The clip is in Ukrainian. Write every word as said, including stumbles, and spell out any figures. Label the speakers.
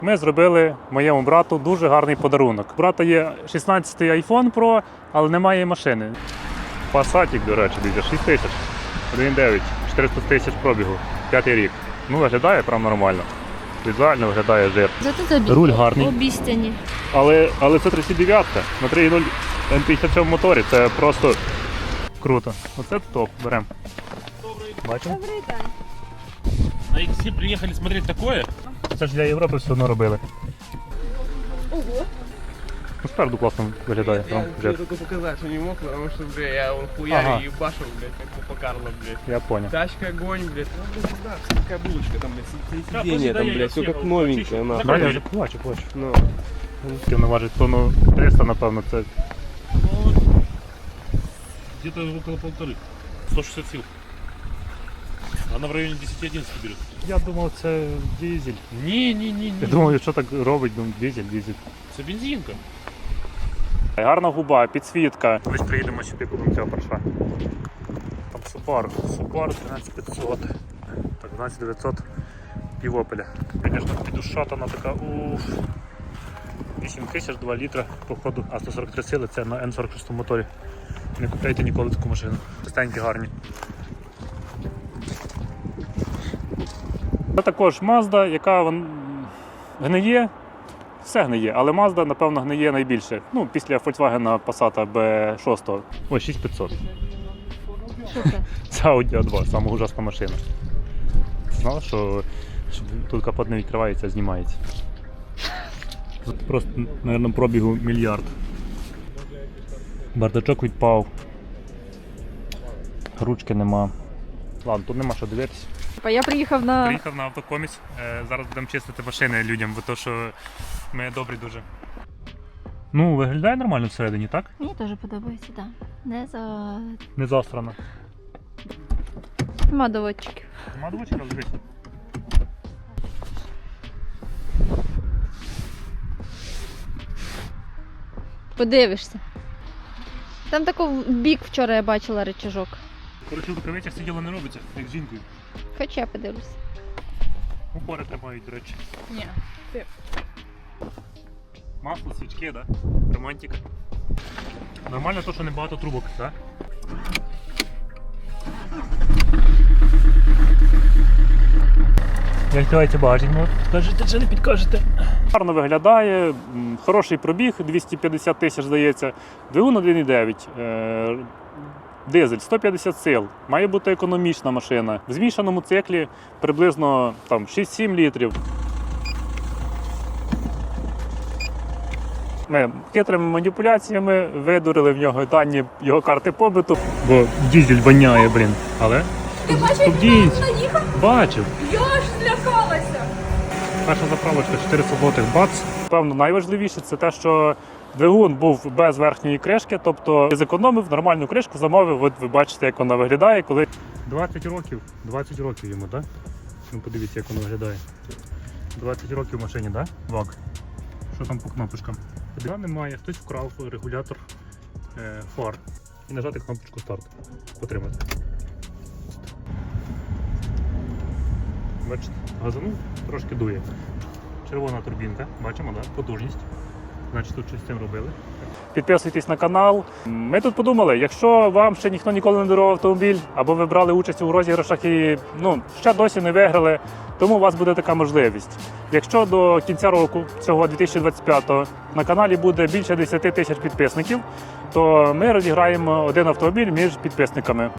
Speaker 1: Ми зробили моєму брату дуже гарний подарунок. У брата є шістнадцятий айфон про, але немає машини. Пасатік, до речі, дивіться, шість тисяч, один дев'ять, чотириста тисяч пробігу, п'ятий рік. Ну, виглядає прям нормально. Візуально виглядає жир. Руль гарний.
Speaker 2: Обіцяні.
Speaker 1: Але, але це тридцять дев'ять на три нуль ем п'ятдесят сім моторі, це просто круто. Оце топ, беремо. Бачимо?
Speaker 2: Добрий день.
Speaker 3: На икс приехали смотреть такое?
Speaker 1: Це ж для Європи все одно робили.
Speaker 2: Ого.
Speaker 1: Ну, спереду класно виглядає.
Speaker 4: Я,
Speaker 1: Там,
Speaker 4: я только показать, что не мог, потому что, бля, я он хуярю
Speaker 1: Ага.
Speaker 4: и ебашил, блядь, как Папа Карло, блядь.
Speaker 1: Я понял.
Speaker 4: Тачка, огонь, блядь. Ну, блядь, да, какая булочка там, блядь,
Speaker 3: Да,
Speaker 4: сиденье
Speaker 3: да,
Speaker 4: там,
Speaker 3: я
Speaker 4: блядь, все
Speaker 3: съехал.
Speaker 4: как новенькое,
Speaker 3: Чуть-чуть.
Speaker 4: нахуй.
Speaker 1: Да, я вже плачу, плачу.
Speaker 4: Ну,
Speaker 1: Воно важить тонну триста, напевно, це.
Speaker 3: Ну, где-то около полторы. сто шестьдесят сил. Она в районе десять-одиннадцать берет.
Speaker 1: Я думав, це дизель.
Speaker 3: Не-не-не.
Speaker 1: Я думав, що так робить, думаю, дизель, дизель.
Speaker 3: Это бензинка.
Speaker 1: Гарна губа, підсвітка. Ми ж приїдемо сюди, купимо цього парша. Там Subaru, Subaru тринадцять п'ятсот. Так, дванадцять дев'ятсот півопеля. Звісно, підушатана така, уф. вісім тисяч, два літра, походу, а сто сорок три сили, це на ен сорок шість моторі. Не купляйте ніколи таку машину. Чистенькі, гарні. Це також Mazda, яка вон- гниє. Все гниє, але Mazda, напевно, гниє найбільше. Ну, після Volkswagen Passat бі шість. Ой, шість п'ятсот.
Speaker 2: Що це?
Speaker 1: Це Audi а два, сама ужасна машина. Знала, що, що тут капот не відкривається, а знімається. Тут просто, мабуть, пробігу мільярд. Бардачок відпав. Ручки нема. Ладно, тут нема що дивитися.
Speaker 2: Я приїхав на...
Speaker 1: Приїхав на автокоміс. Е, Зараз будемо чистити машини людям, бо то, що ми добрі дуже. Ну, виглядає нормально всередині, так?
Speaker 2: Мені теж подобається, так. Не за...
Speaker 1: Не заострано.
Speaker 2: Нема доводчиків.
Speaker 1: Нема двочка, дивись.
Speaker 2: Подивишся. Там тако в бік вчора я бачила рычажок.
Speaker 1: Коротше, в рукавицях сиділо не робиться, як з жінкою.
Speaker 2: Хоч я подивлюся.
Speaker 1: Упори тримають, до речі.
Speaker 2: Ні.
Speaker 1: Масло, свічки, да? Романтика. Нормально то, що не багато трубок, так? Як відкривається багажник, ну, скажете чи не підкажете? Гарно виглядає, м, хороший пробіг, двісті п'ятдесят тисяч, здається. Двигун один дев'ять. Е, Дизель, сто п'ятдесят сил. Має бути економічна машина. В змішаному циклі приблизно там, шість-сім літрів. Ми хитрими маніпуляціями видурили в нього дані його карти побиту, бо дизель воняє, блін. Але
Speaker 5: Ти бачив, як він наїхав?
Speaker 1: бачив.
Speaker 5: Я аж злякалася.
Speaker 1: Перша заправочка чотириста злотих бац. Певно, найважливіше це те, що двигун був без верхньої кришки, тобто зекономив нормальну кришку, замовив. От ви бачите, як вона виглядає, коли двадцять років, двадцять років йому, так? Ну подивіться, як воно виглядає. двадцять років в машині, так? Вак. Що там по кнопочкам? Тоді немає, хтось вкрав регулятор е, фар. І нажати кнопочку старт. Потримати. Бачите, газанув, трошки дує. Червона турбінка, бачимо, да? Потужність. Значить, тут щось з цим робили. Підписуйтесь на канал. Ми тут подумали, якщо вам ще ніхто ніколи не дарував автомобіль, або ви брали участь у розіграшах і ну, ще досі не виграли, тому у вас буде така можливість. Якщо до кінця року, цього дві тисячі двадцять п'ятого, на каналі буде більше десять тисяч підписників, то ми розіграємо один автомобіль між підписниками.